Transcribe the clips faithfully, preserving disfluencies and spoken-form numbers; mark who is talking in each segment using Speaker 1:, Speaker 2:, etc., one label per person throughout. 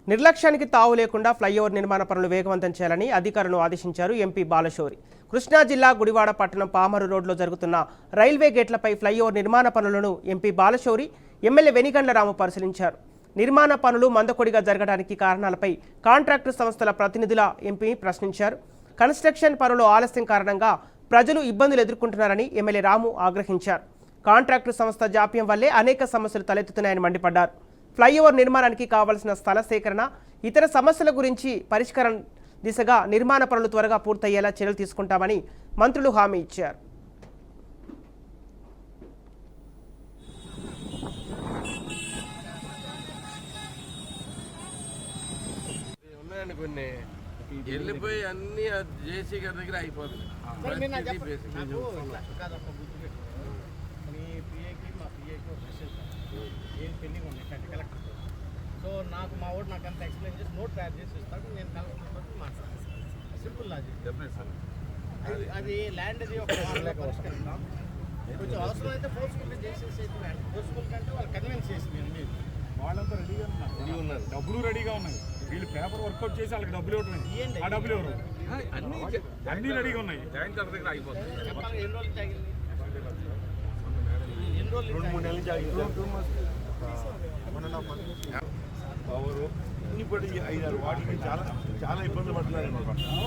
Speaker 1: నిర్లక్ష్యానికి తావు లేకుండా ఫ్లైఓవర్ నిర్మాణ పనులు వేగవంతం చేయాలని అధికారులను ఆదేశించారు ఎంపీ బాలశౌరి. కృష్ణా జిల్లా గుడివాడ పట్టణం పామరు రోడ్లో జరుగుతున్న రైల్వే గేట్లపై ఫ్లైఓవర్ నిర్మాణ పనులను ఎంపీ బాలశౌరి, ఎమ్మెల్యే వెనిగండ్ల రాము పరిశీలించారు. నిర్మాణ పనులు మందకొడిగా జరగడానికి కారణాలపై కాంట్రాక్టు సంస్థల ప్రతినిధుల ఎంపీ ప్రశ్నించారు. కన్స్ట్రక్షన్ పనులు ఆలస్యం కారణంగా ప్రజలు ఇబ్బందులు ఎదుర్కొంటున్నారని ఎమ్మెల్యే రాము ఆగ్రహించారు. కాంట్రాక్టు సంస్థ జాప్యం వల్లే అనేక సమస్యలు తలెత్తుతున్నాయని మండిపడ్డారు. ఫ్లైఓవర్ నిర్మాణానికి కావాల్సిన స్థల సేకరణ, ఇతర సమస్యల గురించి పరిష్కారం దిశగా నిర్మాణ పనులు త్వరగా పూర్తయ్యేలా చర్యలు తీసుకుంటామని మంత్రులు హామీ ఇచ్చారు.
Speaker 2: వెళ్ళిపోయి అన్ని జేసీ గారి దగ్గర అయిపోతుంది.
Speaker 3: ఏం పెండింగ్ ఉన్నాయి అంటే కలెక్టర్. సో నాకు మా వాడు నాకు అంత ఎక్స్ప్లెయిన్ చేసి నోట్ తయారు చేసి ఇస్తాడు. నేను కలెక్టర్ తోటి మాట్లాడతాను. Simple logic. అది అది ల్యాండ్ అది ఒక పరిష్కరిస్తాం. కొంచెం అవసరం అయితే ఫోర్స్ఫుల్గా చేసేసి ఫోర్స్ఫుల్ కంటే వాళ్ళు కన్విన్స్ చేసి మీరు
Speaker 4: వాళ్ళంతా రెడీగా ఉన్నారు, ఉన్నారు డబ్బులు రెడీగా ఉన్నాయి. వీళ్ళు పేపర్ వర్కౌట్ చేసి వాళ్ళకి డబ్బులు ఇవ్వటం, ఆ డబ్బులు ఎవరు అన్ని అన్ని రెడీగా ఉన్నాయి.
Speaker 2: దగ్గర అయిపోతుంది.
Speaker 3: చెప్పాలి ఎన్ని రోజులు తాగింది, ఎన్ని రోజులు
Speaker 4: రెండు మూడు నెలలు పవరు ఇప్పటి ఐదారు వాటికి చాలా చాలా ఇబ్బంది పడుతున్నారండి.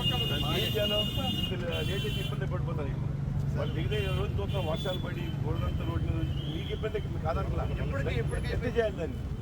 Speaker 4: లేటెస్ట్ ఇబ్బంది పడిపోతారు. వాళ్ళు దిగితే రోజు చూస్తాం వర్షాలు పడి గోల్డంతా రోడ్డు మీకు ఇబ్బంది కాదట్లా. ఎప్పటికీ ఎప్పటికీ చేయాలి దాన్ని.